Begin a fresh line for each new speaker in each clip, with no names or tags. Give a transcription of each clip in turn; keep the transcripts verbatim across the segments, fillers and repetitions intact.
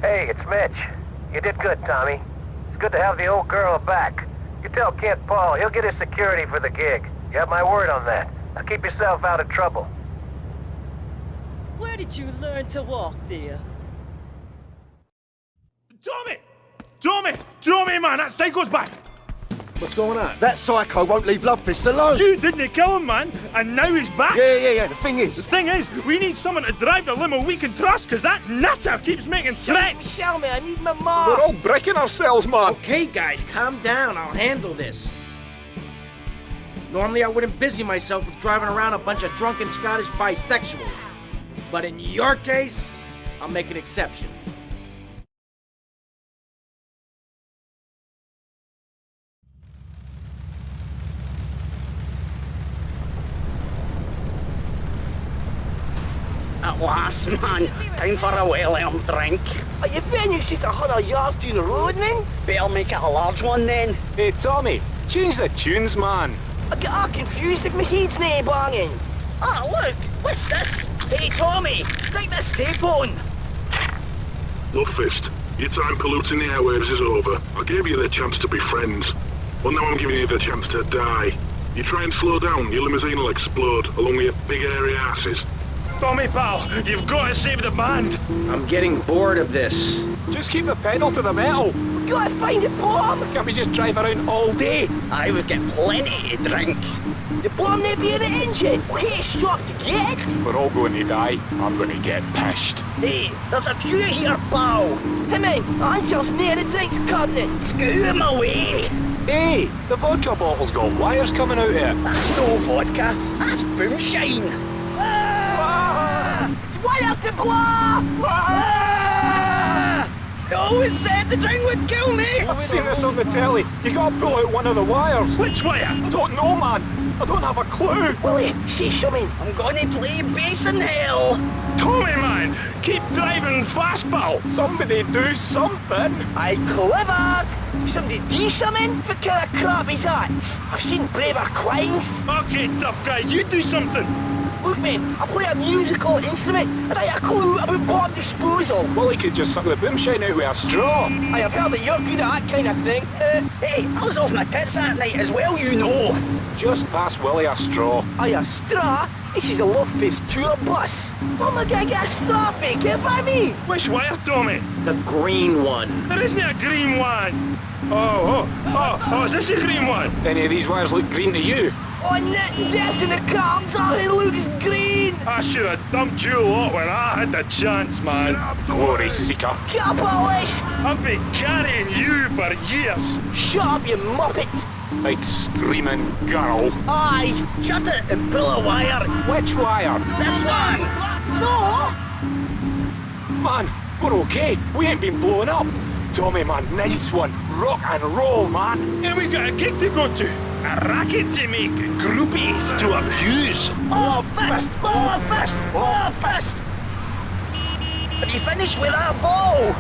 Hey, it's Mitch. You did good, Tommy. It's good to have the old girl back. You tell Kent Paul, he'll get his security for the gig. You have my word on that. Now keep yourself out of trouble.
Where did you learn to walk, dear?
Tommy! Tommy! Tommy, man, that psycho's back!
What's going on?
That psycho won't leave Lovefist alone.
You didn't kill him, man, and now he's back!
Yeah, yeah, yeah, the thing is...
The thing is, we need someone to drive the limo we can trust, because that nutter keeps making threats!
Tell me, I need my mom!
We're all breaking ourselves, man!
Okay, guys, calm down. I'll handle this. Normally, I wouldn't busy myself with driving around a bunch of drunken Scottish bisexuals. But in your case, I'll make an exception.
At last, man. Time for a well-earned drink.
Are your venue's just a hundred yards down the road, then?
Better make it a large one, then.
Hey, Tommy, change the tunes, man.
I get all confused if my head's nae banging.
Ah, look! What's this? Hey, Tommy, stick this tape on.
Lovefist, your time polluting the airwaves is over. I gave you the chance to be friends. Well, now I'm giving you the chance to die. You try and slow down, your limousine will explode, along with your big airy asses.
Tommy, pal, you've got to save the band!
I'm getting bored of this.
Just keep the pedal to the metal.
We gotta find a bomb!
Can't we just drive around all day?
I would get plenty to drink.
The bomb may be in the engine. We'll hit a stop to get it.
We're all going to die. I'm going to get pissed.
Hey, there's a queue here, pal.
Hey, man, Ansel's near the drinks cabinet.
Get out of my way.
Hey, the vodka bottle's got wires coming out here.
That's no vodka. That's boomshine.
Ah! It's way out to blow!
Ah! You always said the drink would kill me.
I've seen this on the telly. You gotta pull out one of the wires.
Which wire?
I don't know, man. I don't have a clue.
Willie, say something.
I'm gonna play bass in hell.
Tommy, man, keep driving fast, pal!
Somebody do something.
Aye, clever. Somebody do something? What kind of crap is that? I've seen braver quines.
Okay, tough guy, you do something!
Look, man, I play a musical instrument, and I have a clue about bomb disposal.
Well, he could just suck the boomshine out with a straw.
I have heard that you're good at that kind of thing. Uh,
Hey, I was off my tits that night as well, you know.
Just pass Willie a straw.
Aye, a straw? This is a Lovefist tour bus. I'm not gonna get a straw fake, if I mean.
Which wire, Tommy?
The green one.
There isn't a green one! Oh, oh, oh, oh, is this a green one?
Any of these wires look green to you?
Oh, net death in the cards, all it looks green.
I should have dumped you a lot when I had the chance, man.
Glory seeker.
Capitalist!
I've been carrying you for years.
Shut up, you muppet.
Big screaming girl.
Aye.
Shut it and pull a wire.
Which wire?
This one.
No!
Man, we're okay. We ain't been blown up. Tommy, man, nice one. Rock and roll, man.
And we got a gig to go to. A racket to make, groupies to abuse.
Oh, fist! Oh, fist! Oh, fist! Have you finished with that ball?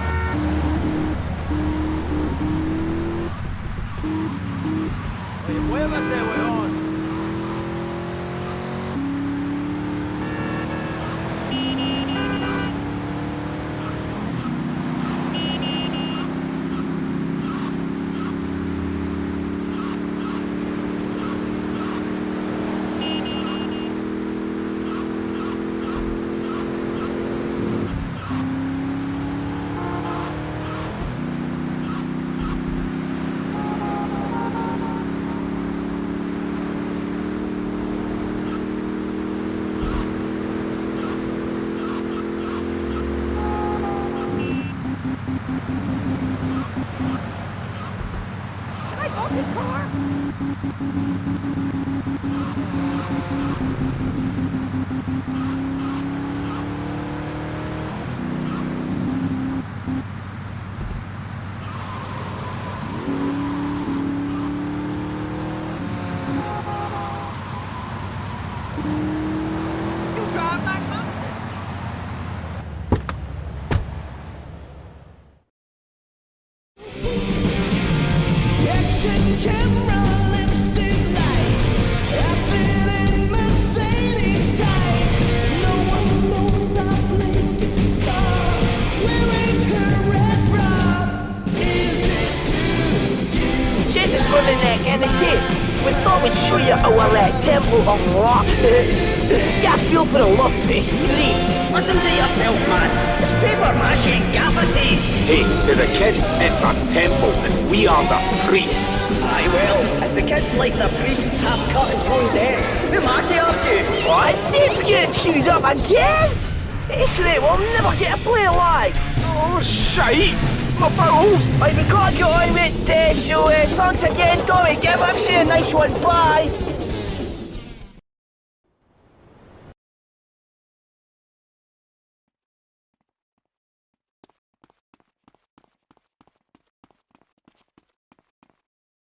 show you our uh, Temple of Rock. Get a feel for the love fest, really. Listen to yourself, man. It's paper mache and gaffer tape.
Hey, to the kids, it's a temple, and we are the priests.
Aye, well, if the kids like their priests half cut and thrown dead, who am I to argue? What? Dave's getting chewed up again? It's right, we'll never get to play live.
Oh, shite! My bowels!
Right, we gotta get on with it, so uh, thanks again, Tommy. Give him a nice one. Bye.